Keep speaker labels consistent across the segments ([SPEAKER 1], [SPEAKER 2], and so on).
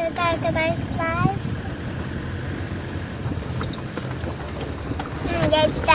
[SPEAKER 1] Evet arkadaşlar. Geçti.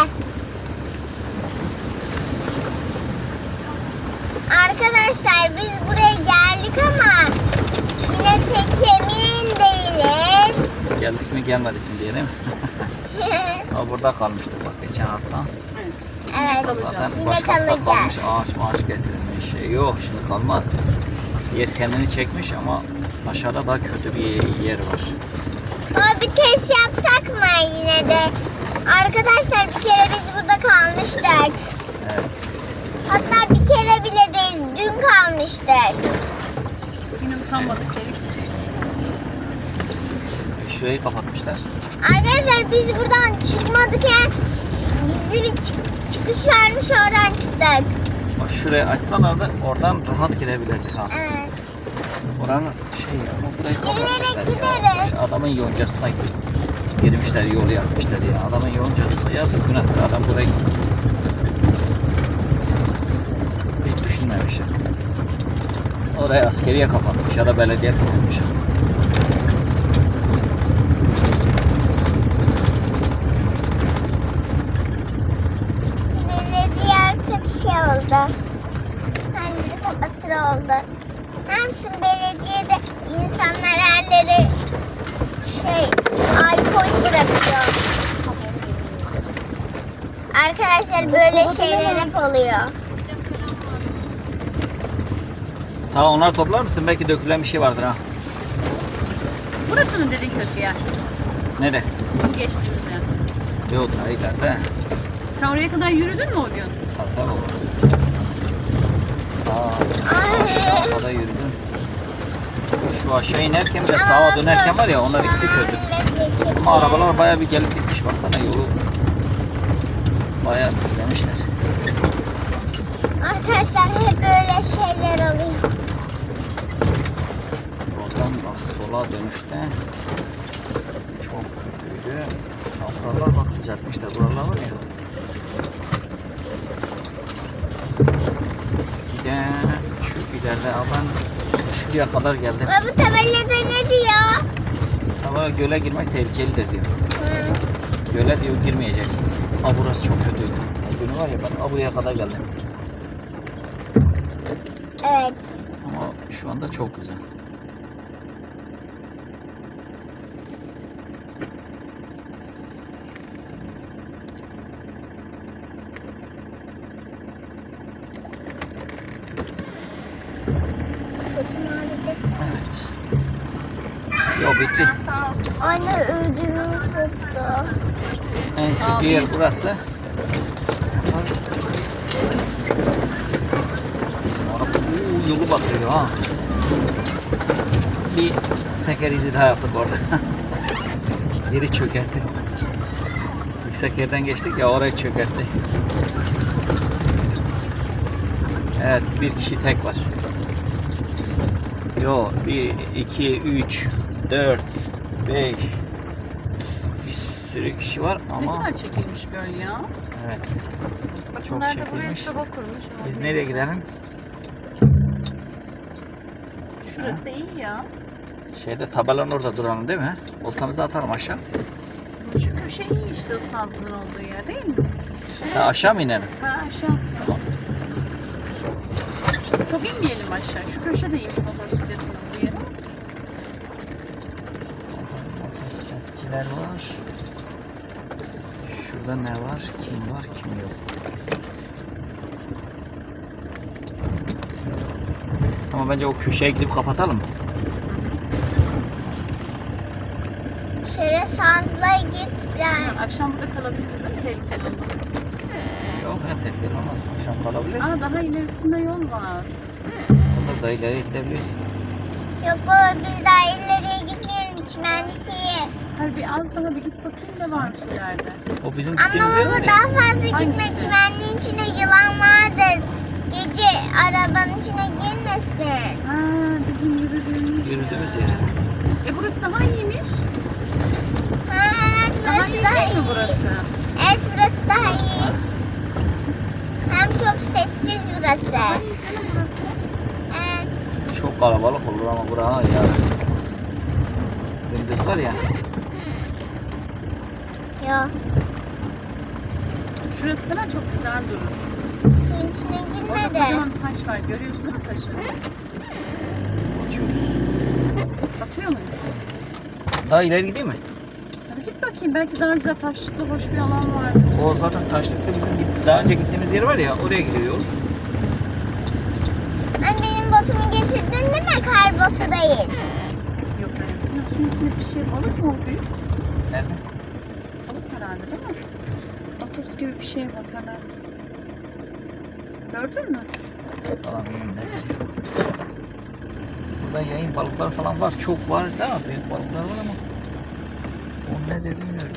[SPEAKER 1] Arkadaşlar biz buraya geldik ama yine pek emin değiliz.
[SPEAKER 2] Geldik mi gelmedik mi diye değil mi? Ama burada kalmıştık bak geçen hafta.
[SPEAKER 1] Evet.
[SPEAKER 2] Zaten
[SPEAKER 1] Yine
[SPEAKER 2] başkası da kalmış,
[SPEAKER 1] kalacağız.
[SPEAKER 2] ağaç getirilmiş. Yok şimdi kalmaz. Yer kendini çekmiş ama aşağıda daha kötü bir yer var.
[SPEAKER 1] Ama bir test yapsak mı yine de? Arkadaşlar bir kere biz burada kalmıştık.
[SPEAKER 2] Evet.
[SPEAKER 1] Hatta bir kere bile değil, dün kalmıştık.
[SPEAKER 3] Yine utanmadık dedik.
[SPEAKER 2] Şurayı kapatmışlar.
[SPEAKER 1] Arkadaşlar biz buradan çıkmadık ya. Gizli bir çıkış varmış, oradan çıktık.
[SPEAKER 2] Bak şurayı açsalar da oradan rahat girebilirdik ha.
[SPEAKER 1] Evet.
[SPEAKER 2] Oranın şey ama burayı
[SPEAKER 1] Yürüyerek
[SPEAKER 2] kapatmışlar ya.
[SPEAKER 1] gideriz.
[SPEAKER 2] İşte adamın yoncasına girmişler, yolu yapmışlar ya. Adamın yoncasına yazık günahtır. Adam burayı hiç düşünmemişler. Orayı askeriye kapatmış ya da belediye kapatmış.
[SPEAKER 1] Belediye artık şey oldu. Kendini kapatır oldu. Ne yapsın belediyede insanlar yerleri alkol bırakıyor. Arkadaşlar böyle şeyler hep oluyor.
[SPEAKER 2] Tamam onları toplar mısın? Belki dökülen bir şey vardır ha.
[SPEAKER 3] Burası mı dedin kötü yer?
[SPEAKER 2] Nerede?
[SPEAKER 3] Bu geçtiğimiz yer.
[SPEAKER 2] Yok daha ileride.
[SPEAKER 3] Sen oraya kadar yürüdün mü o gün?
[SPEAKER 2] Tabii tabii.
[SPEAKER 1] Ay.
[SPEAKER 2] Aşağıda yürüdüm. Şu aşağı inerken ve sağa dönerken var ya onlar ikisi kötü. Ama arabalar bayağı bir gelip gitmiş baksana yolu. Bayağı demişler.
[SPEAKER 1] Arkadaşlar hep böyle şeyler oluyor.
[SPEAKER 2] Oradan bak sola dönüşte çok kötüydü. Buralar bak düzeltmişler. Buralar var ya. Bir de şu ileride ben şuraya kadar geldim.
[SPEAKER 1] Ve bu tabelada ne diyor?
[SPEAKER 2] Ama göle girmek tehlikelidir diyor. Göle diyor girmeyeceksiniz. Burası çok kötüydü. O günü var ya ben buraya kadar geldim.
[SPEAKER 1] Evet.
[SPEAKER 2] Ama şu anda çok güzel. Evet. Yok bitti.
[SPEAKER 1] Anne ödümü koptu.
[SPEAKER 2] En kötü yer burası. Yolu batırıyor ha. Bir teker izi daha yaptık orada. Yeri çökertti. Yüksek yerden geçtik ya orayı çökertti. Evet bir kişi tek var. Yo 1, 2, 3, 4, 5 bir sürü kişi var
[SPEAKER 3] Ne
[SPEAKER 2] ama
[SPEAKER 3] kadar çekilmiş göl ya.
[SPEAKER 2] evet.
[SPEAKER 3] Bak
[SPEAKER 2] Çok
[SPEAKER 3] bunlar da buraya
[SPEAKER 2] çekilmiş.
[SPEAKER 3] soba kurmuş.
[SPEAKER 2] Biz nereye gidelim?
[SPEAKER 3] Şurası iyi ya.
[SPEAKER 2] Şeyde tabelanın orada duralım değil mi? Oltamızı atalım aşağı.
[SPEAKER 3] Şu köşe iyi işte o sazlığın olduğu yer değil mi?
[SPEAKER 2] Ha, aşağı mı inelim?
[SPEAKER 3] Ha aşağı. Çok inmeyelim aşağı. Şu köşe de iyi motosikletin olduğu yer.
[SPEAKER 2] Motosikletçiler var. Şurada ne var? Kim var? Kim yok? Ama bence o köşeye gidip kapatalım.
[SPEAKER 1] Şöyle sazla git biraz.
[SPEAKER 3] Sinan, akşam burada kalabiliriz değil mi? Tehlikeli olmaz.
[SPEAKER 2] Yok ya tehlikeli olmaz. Akşam kalabiliriz.
[SPEAKER 3] Aa daha ilerisinde yol var.
[SPEAKER 2] Burada da ileri gidebilirsin.
[SPEAKER 1] Yok baba biz daha ileriye gitmeyelim. Çimenlik iyi.
[SPEAKER 3] Hayır bir az daha bir git bakayım da varmış ileride.
[SPEAKER 2] O bizim
[SPEAKER 1] Ama
[SPEAKER 2] gittiğimiz yer
[SPEAKER 1] baba
[SPEAKER 2] var ya.
[SPEAKER 1] daha fazla gitme.
[SPEAKER 3] Hangisi?
[SPEAKER 1] Çimenliğin içine yılan vardır. Gece arabanın içine girmesin.
[SPEAKER 3] Ha bizim yürüdüğümüz
[SPEAKER 2] Yürüdüğümüz
[SPEAKER 3] yer.
[SPEAKER 2] yere.
[SPEAKER 3] Burası daha iyiymiş.
[SPEAKER 1] Ha evet
[SPEAKER 3] Daha
[SPEAKER 1] burası
[SPEAKER 3] iyi
[SPEAKER 1] daha
[SPEAKER 3] değil mi
[SPEAKER 1] iyi.
[SPEAKER 3] burası?
[SPEAKER 1] Evet burası daha iyi. Hem çok sessiz burası.
[SPEAKER 3] Daha iyi canım burası.
[SPEAKER 1] Evet.
[SPEAKER 2] Çok kalabalık olur ama bura ya. videosu var ya.
[SPEAKER 1] Yok.
[SPEAKER 3] Şurası falan çok güzel durur.
[SPEAKER 1] Suyun içine
[SPEAKER 3] Orada
[SPEAKER 1] girmedi.
[SPEAKER 3] kocaman taş var. Görüyorsun değil mi taşı?
[SPEAKER 2] Atıyoruz.
[SPEAKER 3] Atıyor muyuz?
[SPEAKER 2] Daha ileri gideyim mi?
[SPEAKER 3] Hadi git bakayım. Belki daha güzel taşlıklı hoş bir alan vardır.
[SPEAKER 2] O zaten taşlıkta bizim daha önce gittiğimiz yer var ya, oraya gidiyor yol.
[SPEAKER 1] Ben benim botumu getirdin değil mi? Kar botu değil.
[SPEAKER 3] Yok öyle. Suyun içinde bir şey balık mı o büyük?
[SPEAKER 2] Nerede?
[SPEAKER 3] Balık herhalde değil mi? Otobüs gibi bir şey bak hemen. Gördün mü?
[SPEAKER 2] Falan bilmiyorum nerede. Burada yayın balıklar falan var. Çok var değil mi? Büyük balıklar var ama o ne de bilmiyorum.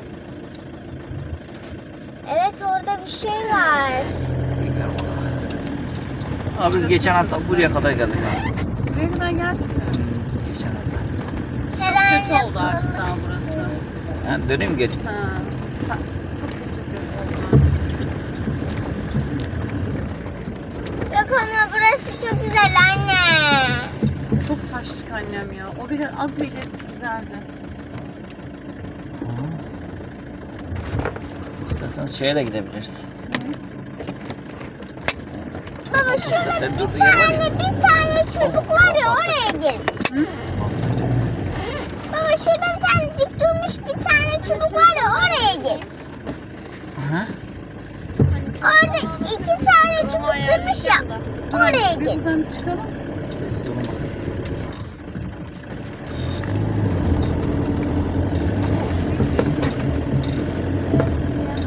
[SPEAKER 1] Evet orada bir şey var.
[SPEAKER 2] Bilmiyorum onu. Abi biz geçen hafta buraya kadar geldik abi.
[SPEAKER 3] Buraya kadar geldik mi?
[SPEAKER 2] Geçen hafta.
[SPEAKER 1] Herhalde
[SPEAKER 3] Kötü oldu artık daha burası.
[SPEAKER 2] Yani döneyim geri.
[SPEAKER 3] Ha. Çok kötü oldu.
[SPEAKER 1] Yok ama burası çok güzel anne.
[SPEAKER 3] Çok taşlık annem ya. O biraz az bir ilerisi güzeldi.
[SPEAKER 2] İsterseniz şeye de gidebiliriz.
[SPEAKER 1] Baba şurada
[SPEAKER 2] Otobüslerin
[SPEAKER 1] bir
[SPEAKER 2] durduğu yer var ya.
[SPEAKER 1] tane çubuk var ya oraya git.
[SPEAKER 3] Hı?
[SPEAKER 1] Baba şurada bir tane dik durmuş bir tane çubuk var ya oraya git.
[SPEAKER 2] Hı?
[SPEAKER 1] Orada 2 tane çubuk durmuş ya. Oraya
[SPEAKER 3] Bir
[SPEAKER 1] git.
[SPEAKER 3] buradan çıkalım.
[SPEAKER 2] Sessiz olun bakın.